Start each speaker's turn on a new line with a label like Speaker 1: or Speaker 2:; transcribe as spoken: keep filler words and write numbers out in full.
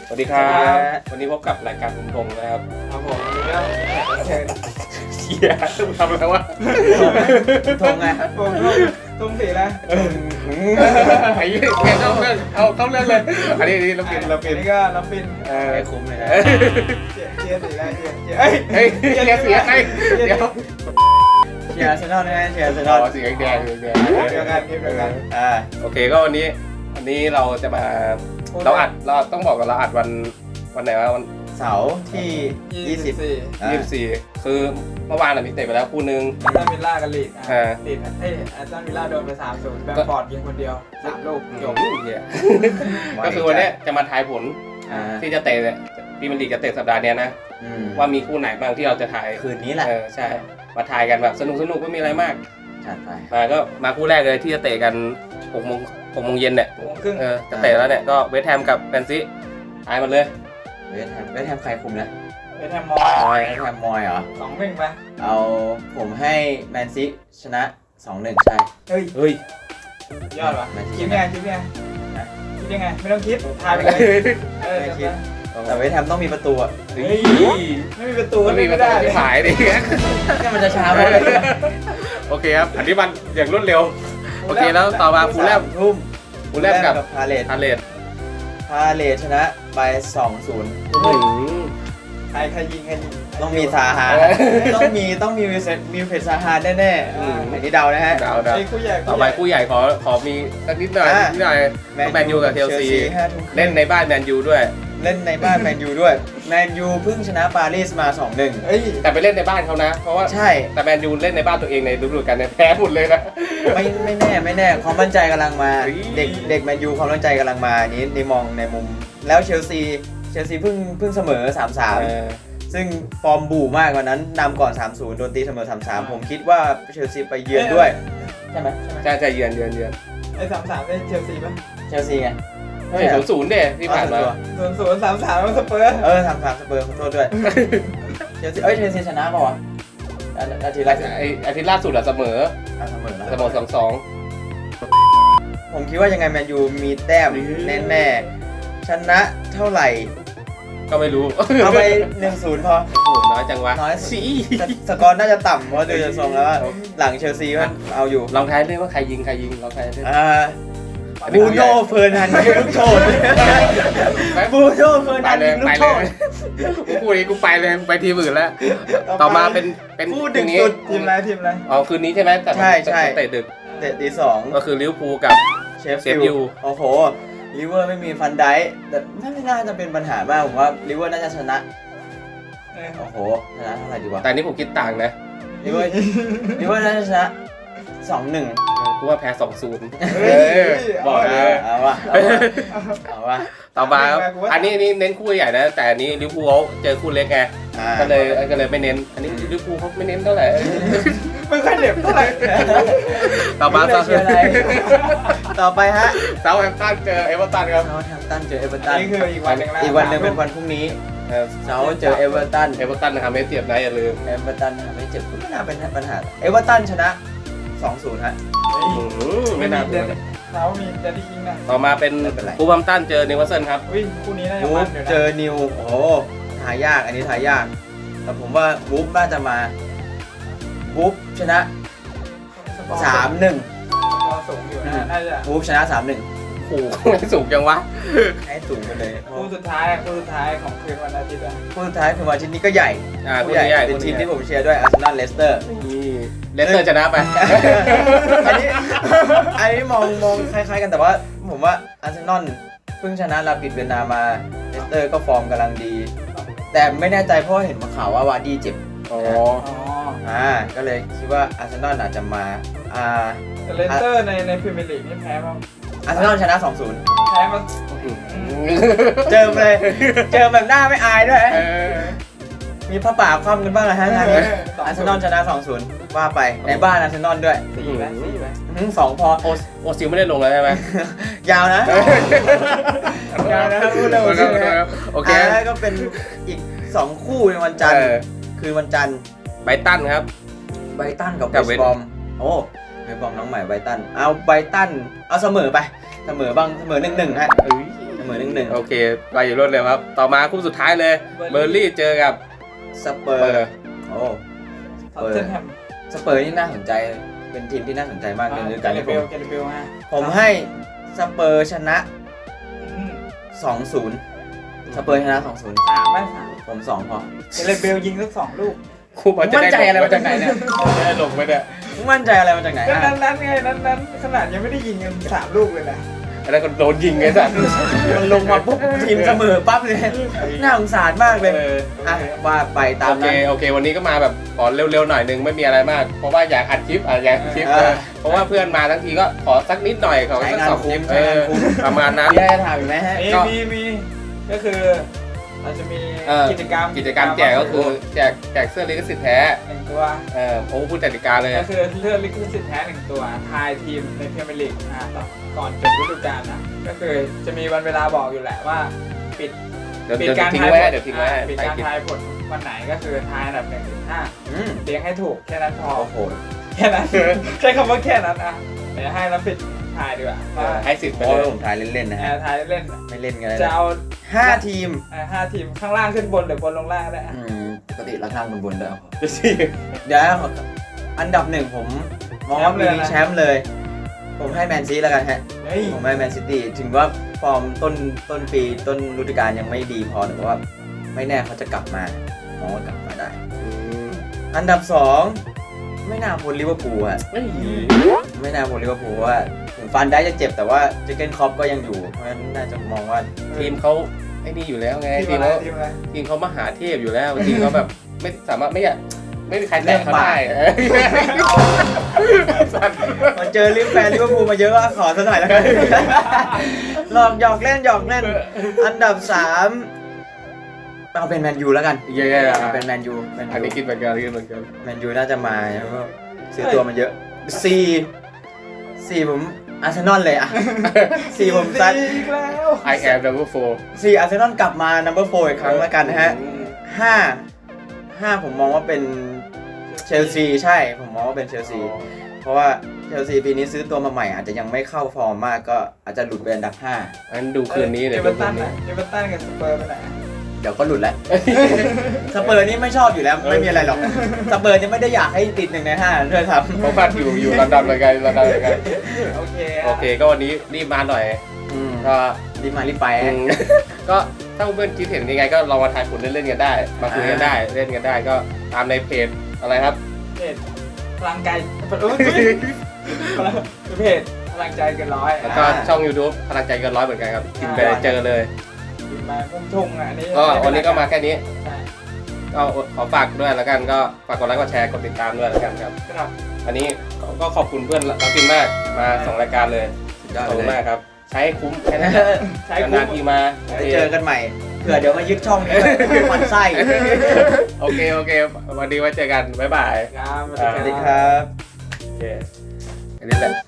Speaker 1: สวัสดีครับวันนี้พบกับรายการผมทงนะครับ
Speaker 2: ครับผมวันนี้ก็แขกรับเชิญ
Speaker 1: เชียร์ต้องทำอะไรวะ
Speaker 2: ทงไงผมทงทงสีแล้ว
Speaker 1: ไอ้เงี้ยเข้าเรื่องเอาเข้าเรื่องเลยอันนี้นี่เราเปลี่ยนเราเปลี่ยน
Speaker 2: นี่ก็เราฟิน
Speaker 1: เออ
Speaker 3: ไม่คุ้มเลยนะ
Speaker 2: เชียร์สีแล้วเชียร์เชียร์เอ้ย
Speaker 1: เฮ้ยเชียร์เสียใครเดี๋ยว
Speaker 3: เชียร์อาร์เซนอลนะฮะเชียร์อาร์เซน
Speaker 1: อ๋
Speaker 3: อ
Speaker 1: อ
Speaker 3: ล
Speaker 1: สีแดงแดงแดง
Speaker 2: เดียวกันเดียวกัน
Speaker 3: อ่า
Speaker 1: โอเคก็วันนี้วันนี้เราจะมาเราอัดเราต้องบอกกันเราอัดวันวันไหนวะวัน
Speaker 3: เสาร์ที่ยี่สิบ
Speaker 2: สี่
Speaker 3: อ่า
Speaker 1: ยี่สิบสี่คือเมื่อวานเรามีเตะไปแล้วคู่นึง
Speaker 2: อาร์ตันวิลล่ากันลีก
Speaker 1: อ่า
Speaker 2: ติดเอ้ยอาร์ตันวิลล่าโดนไปสามศูนย์แบมฟอร์ดยิงคนเดียวสามลูกจบ
Speaker 1: เนี่ยก็คือวันนี้จะมาทายผล
Speaker 3: อ่า
Speaker 1: ที่จะเตะเนี่ยพรีเมียร์ลีกจะเตะสัปดาห์เนี้ยนะ
Speaker 3: อืม
Speaker 1: ว่ามีคู่ไหนบ้างที่เราจะถ่าย
Speaker 3: คืนนี้แหละ
Speaker 1: เออใช่มาถ่ายกันแบบสนุกสนุกไม่มีอะไรมาก
Speaker 3: จัดไป
Speaker 1: มาก็มาคู่แรกเลยที่จะเตะกันหกโมงหกโมงเย็นเนี่ย
Speaker 2: โมงครึ่ง
Speaker 1: เออจะเตะแล้วเนี่ยก็เวสต์แฮมกับแมนซีทายมันเลย
Speaker 3: เวสต์แฮมเวสต์แฮมใครคุมนะ
Speaker 2: เป็นแฮมมอ
Speaker 3: ม
Speaker 2: ย
Speaker 3: อยเวสต์แฮมมอยเหรอ
Speaker 2: สองหนึ่งไป
Speaker 3: เอาผมให้แมนซีชนะ สองหนึ่ง ใช่
Speaker 2: เฮ้ย
Speaker 1: เฮ้ย
Speaker 2: ยอดว่ะ
Speaker 3: แมนซี
Speaker 2: คิดยังไงคิดยังไงคิดยังไงไม่ต้องคิดทายไปเลยเออ
Speaker 3: ไม่คิด แต่เวสต์แฮมต้องมีประตูอ่ะ
Speaker 1: เฮ้
Speaker 2: เฮ้
Speaker 1: ย
Speaker 2: ยไม่มีประตู
Speaker 1: มันมีประตูที่หายดิ
Speaker 3: นี่มันจะช้าไป
Speaker 1: โอเคครับอันนี้มันอย่างรวดเร็วโอเคแล้วต่อมาฟูลแลม
Speaker 3: ทุ่ม
Speaker 1: ฟูลแลมกับ
Speaker 3: พาเลต
Speaker 1: พาเลต
Speaker 3: พาเลตชนะไป สองศูนย์
Speaker 2: ใครใครยิงใครยิง
Speaker 3: ต้องมีซาฮาต้องมีต้องมีวิเศษมีเฟสซาฮาแน่ๆ
Speaker 1: อืม
Speaker 3: อันนี้เดานะฮะ
Speaker 1: ดาวดาว
Speaker 2: ไอ้คู่ใหญ่
Speaker 1: ต่อไปคู่ใหญ่ขอขอมีสักนิดหน่อย
Speaker 3: อ่ะ
Speaker 1: นิดหน่อยแมนยูกับเชลซี
Speaker 3: ห้าทุ่มครึ่ง
Speaker 1: เล่นในบ้านแมนยูด้วย
Speaker 3: เล่นในบ้านแมนยูด้วยแมนยูเพิ่งชนะปารีสมา สองหนึ่ง
Speaker 2: เอ้ย
Speaker 1: แต่ไปเล่นในบ้านเขานะ เพราะว่า
Speaker 3: ใช่
Speaker 1: แต่แมนยูเล่นในบ้านตัวเองในฤดูกาลเนี่ยแพ้หมดเลยนะ
Speaker 3: ไม่ไม่แน่ไม่แน่ความมั่นใจกำลังมา
Speaker 1: เฮ้ย
Speaker 3: เด็กเด็กแมนยูความมั่นใจกำลังมาอันนี้ในมองในมุม แล้วเชลซีเชลซีเพิ่งเพิ่งเสมอ สามสาม
Speaker 1: เออ
Speaker 3: ซึ่งฟอร์มบู่มากกว่านั้นนำก่อน สามศูนย์ โดนตีเสมอ สามสาม ผมคิดว่าเชลซีไปเยือนด้วย ใช่ไหมใช่ไหม
Speaker 1: ใช่ใช่เยือนเยือนเยือน
Speaker 2: ไอ้สามสามเป็นเชลซีป่ะ
Speaker 3: เชลซีไง
Speaker 1: เฮ้ยศูนย์ศูนย์เด้ที่ผ่านมา
Speaker 2: ศูนย์ศูนย์สามสามมันสเปอร์
Speaker 3: เออสามสามสเปอร์ขอโทษด้วย เชลซีเอ้ยเชลซีชนะป่าวะอาอาทิตย์
Speaker 1: ไอ้
Speaker 3: ละ
Speaker 1: ไอ้อาทิตย์ล่าสุดอะเสมอ
Speaker 3: อ่ะเสมอนะ
Speaker 1: เสมอสองสอง
Speaker 3: ผมคิดว่ายังไงแมนยูมีแต้มแน่ๆชนะเท่าไหร่
Speaker 1: ก็ไม่รู้
Speaker 3: เอาไป หนึ่งศูนย์ พอ
Speaker 1: โอ้โหน้อยจังวะ
Speaker 3: น้อย
Speaker 1: สี
Speaker 3: สสกอร์น่าจะต่ำเพราะดูจากทรงแล้วว่าหลังเชลซีมันเอาอยู่
Speaker 1: ลองทายด้วยว่าใครยิงใครยิงลองทายด้วย
Speaker 3: อ่าบูโน่เฟอร์นันยิงลูกโทษบูโน่เฟอร์
Speaker 1: ไป
Speaker 3: นัน
Speaker 1: เลย
Speaker 3: ยิงลู
Speaker 1: ไป
Speaker 3: ก
Speaker 1: เล
Speaker 3: โทษ
Speaker 1: ยกูพูดนี้กูไปเลยไปทีมอื่นแล้ว ต่อมาเป็นเป็น
Speaker 3: คู่
Speaker 1: คื
Speaker 3: ดึ
Speaker 1: น
Speaker 3: ก
Speaker 1: นี้
Speaker 3: สุด
Speaker 2: ทีมอะไรทีมอะไร
Speaker 1: อ๋อคืนนี้ใช่ไหมแต่
Speaker 3: ใช่ใช่
Speaker 1: เตะดึก
Speaker 3: เตะตีสอง
Speaker 1: ก็คือลิเวอร์พูลกับ
Speaker 3: เชฟ
Speaker 1: เชฟ
Speaker 3: ฟิ
Speaker 1: ฟิ
Speaker 3: ล
Speaker 1: ลด์
Speaker 3: ด์โอ้โหลิเวอร์ไม่มีฟันไดค์แต่ไม่น่าจะเป็นปัญหามากผมว่าลิเวอร์น่าจะชนะ
Speaker 2: เออ
Speaker 3: โอ้โหชนะเท่าไหร่ดีวะ
Speaker 1: แต่อันนี้ผมคิดต่างนะ
Speaker 3: ลิเวอร์ลิเวอร์น่าจะชนะสองหนึ่ง
Speaker 1: กูว่าแพ้สองศูนย์
Speaker 2: เฮ้ย
Speaker 1: บอกเลย
Speaker 3: เอาวะเอาวะเอาวะ
Speaker 1: ต่อมาครับอันนี้นี่เน้นคู่ใหญ่นะ แต่อันนี้ลิเวอร์พูลเขาเจอคู่เล็กไง
Speaker 3: อ่า
Speaker 1: ก็เลยก็เลยไม่เน้น อันนี้ลิเวอร์พูลเขาไม่เน้นเท่าไหร่
Speaker 2: ไม่ค่อยเหน็บเท่าไหร่
Speaker 1: ต่อมา
Speaker 3: ไม่รู้เลยเชียร์อะไรต่อไปฮะ
Speaker 1: เซาท์แฮมป์ตันเจอเอเวอร์ตันครับ
Speaker 3: เซาท์แฮมป์ตันเจอเอเวอร์
Speaker 2: อั
Speaker 3: ตั
Speaker 2: น
Speaker 3: น
Speaker 2: นี้คืออีกวันหนึ่งแล้ว
Speaker 3: อีกวันหนึ่งเป็นวันพรุ่งนี้
Speaker 1: เออ
Speaker 3: เซาท์เจอเอเวอร์ตัน
Speaker 1: เอเวอร์ตันนะครับไม่เสียบนะอย่าลืม
Speaker 3: เอเวอร์ตันไม่เจ็บก็ไม่น่าเป็นปัญหาเอเวอร์ตันชนะ สองศูนย์ ฮะ
Speaker 1: อื้อหือ
Speaker 2: ไม่
Speaker 1: ไม่
Speaker 2: มี
Speaker 1: น่า
Speaker 2: เด
Speaker 1: เบื่
Speaker 2: น
Speaker 1: อ
Speaker 2: เขามีเดนดี้คิงนะ
Speaker 1: ต่อมาเป็น
Speaker 3: ไม่เป็นไร
Speaker 1: บูบัมตันเจอนิวคาสเซิลครับ
Speaker 2: อุ้ยคู่นี้น่าจะ
Speaker 3: วู
Speaker 2: มั
Speaker 3: ฟ
Speaker 2: นอยู่นะ
Speaker 3: เจอนิวโอ้โหทายากอันนี้ทายาก แต่ผมว่าวูฟน่าจะมาวูฟชนะ สามหนึ่ง
Speaker 2: พอสูงอยู่นะน่าจะ
Speaker 3: วูฟชนะ สามหนึ่ง
Speaker 1: โอ้โหไม่สูงจังวะ
Speaker 3: ให้สูงไปเลย
Speaker 2: คู่สุดท้ายอะคู่สุดท้ายของคืนวันอาทิตย์อะ
Speaker 3: คู่สุดท้ายคือวันอาทิตย์นี้ก็ใหญ่
Speaker 1: อ่า
Speaker 3: คู่
Speaker 1: คู่
Speaker 3: ใหญ่
Speaker 1: ใหญ่
Speaker 3: เป็นทีมที่ผมเชียร์ด้วยอาร์เซนอลเลสเตอร์
Speaker 1: นี่เลสเตอร์ชนะไป
Speaker 3: อันนี้อันนี้มองมองคล้ายๆกันแต่ว่าผมว่าอาร์เซนอลเพิ่งชนะลาปิดเวียนนามาเลสเตอร์ก็ฟอร์มกำลังดี แต่ไม่แน่ใจเพราะเห็นมาข่าวว่าวาร์ดี้เจ็บ
Speaker 1: อ๋อ
Speaker 2: อ๋อ
Speaker 3: อ่าก็เลยคิดว่าอาร์เซนอลอาจจะมาอ่า
Speaker 2: แต่เลสเตอร์ในในพรีเมียร์ลีกนี่แพ้มา
Speaker 3: อาร์เซนอลชนะ สองศูนย์
Speaker 2: แพ้มา
Speaker 3: เจอเลย เจอแบบหน้าไม่อายด้วย
Speaker 1: เออ
Speaker 3: มีผ้าป่าคว่ำกันบ้างเหรอฮะงานนี้อาร์เซนอลชนะ สองศูนย์ ว่าไปในบ้านอาร์เซนอลด้วย
Speaker 2: สี่ไหมสี่ไหม
Speaker 3: อื้อหือสองพอ
Speaker 1: โอโอซิลไม่ได้ลงแล้วใช่ไหม
Speaker 3: ยาวนะ ยาวนะพูดเร็วใช่ไหม
Speaker 1: โอเค
Speaker 3: แล้วก็เป็นอีกสองคู่ในวันจันทร์
Speaker 1: เออ
Speaker 3: คืนวันจันทร์
Speaker 1: ไบรตันครับ
Speaker 3: ไบรตันกับเว
Speaker 1: กับ
Speaker 3: ส
Speaker 1: เวส
Speaker 3: ต์บอมโอ้เวสต์บอมน้องใหม่ไบรตันเอาไบรตันเอาเสมอไปเสมอบ้างเสมอหนึ่งหนึ่งฮะ
Speaker 1: เอ้ย
Speaker 3: เสมอหนึ่งหนึ่ง
Speaker 1: โอเคไปอยู่รวดเร็วครับ ต่อมาคู่สุดท้ายเลย เบอร์ลี่เจอกับ
Speaker 3: สเปอ
Speaker 1: เปอ
Speaker 3: ร์
Speaker 1: ร์
Speaker 3: โอ้
Speaker 2: ท็อตเทนแฮม
Speaker 3: สเปอร์นี่น่าสนใจเป็นทีมที่น่าสนใจมากในฤดู
Speaker 2: แก
Speaker 3: กาล
Speaker 2: เร
Speaker 3: นี้
Speaker 2: เบ
Speaker 3: ผ
Speaker 2: ล
Speaker 3: ม
Speaker 2: แกเรเบลฮะ
Speaker 3: ผมให้สเปอร์ชนะ
Speaker 2: อืม
Speaker 3: สองศูนย์ สเปอร์ชนะสองศูนย์
Speaker 2: สามไม่สาม
Speaker 3: ผมสองพอ
Speaker 2: แกเรเบลยิงสักสองลูก
Speaker 1: คู่มันจะ
Speaker 3: มั่นใจ
Speaker 1: ด้
Speaker 3: อะไรมาจากไหนเนี่ย
Speaker 1: จะได้ลงไปเนี่ย
Speaker 3: มั่นใจอะไรมาจากไหน
Speaker 2: ก็
Speaker 3: อ่ะ
Speaker 2: นั้นนั้นไงนั้นนั้นขนาดยังไม่ได้ยิงกันสามลูกเลยนะ
Speaker 1: อันนั้นก็โดนยิงไงสัตว์
Speaker 3: มันลงมาปุ๊บทีมเสมอปั๊บเลยน่าสงสารมากเลย
Speaker 1: เออ
Speaker 3: อ่ะว่าไปตาม
Speaker 1: โอเค
Speaker 3: นั้น
Speaker 1: โอเค วันนี้ก็มาแบบขอเร็วๆหน่อยนึงไม่มีอะไรมาก เพราะว่าอยากอัดคลิปอ่ะอยากอัดคลิป
Speaker 3: เออ
Speaker 1: เออเพราะว่าเพื่อนมาทั้งทีก็ขอสักนิดหน่อยขอสักสองคลิป
Speaker 3: ใช้
Speaker 1: เอง
Speaker 3: าน
Speaker 1: อ
Speaker 3: คุ้ม
Speaker 1: ประมาณนั้น
Speaker 3: มีอะไรจะถามอีกไหมฮะ
Speaker 2: มี
Speaker 1: ก็
Speaker 2: มีมีก็คือเราจะมี
Speaker 1: เออ
Speaker 2: กิจกรรม
Speaker 1: กิจกรรมแจกก็คือแจกแจกเสื้อลิขสิทธิ์แท้
Speaker 2: หนึ่งตัว
Speaker 1: เออโอ้พูดกติกาเลย
Speaker 2: ก็คือเลือกลิขสิทธิ์แท้หนึ่งตัวทายทีมในพรีเมียร์ลีกอ่าต่อก่อนจบฤดูกาลนะก็คือจะมีวันเวลาบอกอยู่แหละว่าปิด
Speaker 1: เดี๋ยว
Speaker 2: ปิด
Speaker 1: เดี๋ยว
Speaker 2: การ
Speaker 1: ทิ้ง
Speaker 2: ทาย
Speaker 1: ไว้
Speaker 2: ผ
Speaker 1: ให้
Speaker 2: ล
Speaker 1: เดี๋ยวทิ้งไว้ให้
Speaker 2: อ่าปิด
Speaker 1: ใต้
Speaker 2: การ
Speaker 1: คลิป
Speaker 2: ทายผลวันไหนก็คือทายอันดับหนึ่งถึงห้า
Speaker 3: อืม
Speaker 2: เรียงให้ถูกแค่นั้นพอ
Speaker 3: โอ้โห
Speaker 2: แค่นั้น ใช้คำว่าแค่นั้นอ่ะเดี๋ยวให้น้ำปิดทายดีกว่าว่า
Speaker 1: ให้สิทธิ์ไป
Speaker 3: โอ้
Speaker 1: เลย ย
Speaker 3: ผมถ่ายเล่นๆนะ
Speaker 2: แอ
Speaker 3: ฮะ
Speaker 2: ร์ทายเล่น
Speaker 3: ไม่เล่นกันเลย
Speaker 2: จะเอา
Speaker 3: ห้าทีม
Speaker 2: อ่าห้าทีมข้างล่างขึ้นบนหรือบนลงล่างก็ได้อ่ะ
Speaker 3: อืมปกติราคาบนๆด้วย
Speaker 1: จะสิ
Speaker 3: เดี๋ยวอันดับหนึ่งผมมองว่าปีนี้แชมป์เลย ผมให้แมนซีแล้วกันฮะ
Speaker 2: เฮ้ย
Speaker 3: ผมให้แมนซิตี้ถึงว่าฟอร์มต้นต้นปีต้นฤดูกาลยังไม่ดีพอแต่ว่าไม่แน่เขาจะกลับมามองว่ากลับมาได้ อันดับสองไม่น่าพ้นลิเวอร์พูลอะ
Speaker 1: ไม่
Speaker 3: ไม่น่าพ้นลิเวอร์พูลเพราะว่าถึงฟันได้จะเจ็บแต่ว่าเจเกนคล็อปก็ยังอยู่เพราะฉะนั้นน่าจะมองว่า
Speaker 1: ทีมเขาไอ้นี่อยู่แล้วไง
Speaker 2: ที
Speaker 1: ที
Speaker 2: ม
Speaker 1: ม
Speaker 2: อะไร
Speaker 1: เขา
Speaker 2: ทีมอะไร
Speaker 1: ทีมเขามหาเทพอยู่แล้วทีมเขาแบบไม่สามารถไม่อยากไม่มีใครแตะเขาได้เออสัตว์
Speaker 3: มันเจอลิเวอร์แฟนลิเวอร์พูลมาเยอะก็ขอซะหน่อยแล้วกัน หลอกหยอกเล่นหยอกเล่น อันดับสามเอาเป็นแมนยูแล้วกัน
Speaker 1: เย้
Speaker 3: เอาเป็นแมนยูแมน
Speaker 1: อันนี้
Speaker 3: ยู
Speaker 1: คิดเหมือนกันคิดเหมือนกัน
Speaker 3: แมนยูน่าจะมาแล้วก็ซื้อตัวมาเยอะสี่สี่ผมอาร์เซนอลเลยอะ สี่ผมซัด
Speaker 2: อีกแล้ว
Speaker 1: I am number four
Speaker 3: สี่อาร์เซนอลกลับมา นัมเบอร์โฟร์อีกครั้งแล้วกันนะฮะห้าห้าผมมองว่าเป็นเชลซีใช่ ผมมองว่าเป็นเชลซี เพราะว่าเชลซีปีนี้ซื้อตัวมาใหม่อาจจะยังไม่เข้าฟอร์มมากก็อาจจะหลุดไปอันดับห้า
Speaker 1: อันดูคืนนี้
Speaker 2: เอ
Speaker 1: เดี๋ยว
Speaker 2: เว
Speaker 1: ดู
Speaker 2: อร์
Speaker 1: คื
Speaker 2: ตัน
Speaker 1: นนี้
Speaker 2: อ่ะเอเวอร์ตันกับสเปอร์ไปไหน
Speaker 3: เดี๋ยวก็หลุดแล้ว สเปอร์นี่ไม่ชอบอยู่แล้วไม่มีอะไรหรอก สเปอร์นี่ไม่ได้อยากให้ติดหนึ่งในห้าด้วยซ้ำ
Speaker 1: เขาพัดอยู่อยู่ลอนดอนเหมือนกันลอนดอนเหมือนกัน
Speaker 2: โอเค
Speaker 1: โอเคก็วันนี้รีบมาหน่อย
Speaker 3: อืม
Speaker 1: ก็
Speaker 3: รีบมารีบไป
Speaker 1: อื
Speaker 3: ฮะ
Speaker 1: มก็ถ้าเพื่อนคิดเห็นยังไงก็ลองมาทายผลเล่นๆกันได้ มาคุยกันได้เล่นกันได้ก็ตามในเพจอะไรครับ
Speaker 2: เพจพลังใจเออเพจพลังใจเกินร้อย
Speaker 1: แล้วก็ช่อง YouTube พลังใจเกินร้อยเหมือนกันครับกินไปเจอเลย
Speaker 2: มาพุ่งทุ่งอ่ะอันนี้
Speaker 1: ก็วันนี้ก็มาแค่นี้
Speaker 2: ใช่
Speaker 1: ก็ขอฝากด้วยแล้วกันก็ฝากกดไลค์กดแชร์กดติดตามด้วยแล้วกันครับ
Speaker 2: ครับ
Speaker 1: อันนี้ก็ขอบคุณเพื่อนรับกินมากมาสองรายการเลย
Speaker 3: สุดยอด
Speaker 1: ขอบ
Speaker 3: ไป
Speaker 1: คุณ
Speaker 3: เล
Speaker 1: มาก
Speaker 3: ย
Speaker 1: ครับ ใช้ให้คุ้มแค่นั้น
Speaker 2: ใช้
Speaker 1: น
Speaker 2: คุ้
Speaker 1: าน
Speaker 2: ม
Speaker 1: ๆทีมา
Speaker 3: ได้เจอกันใหม่เผื่อเดี๋ยวมายึดช่องนี้ด้วยหมันไส้
Speaker 1: โอเคโอเควันนี้ไว้เจอกันบ๊ายบาย
Speaker 2: ครับ
Speaker 3: สวัสดีครับ
Speaker 1: โอเคอันนี้แหละ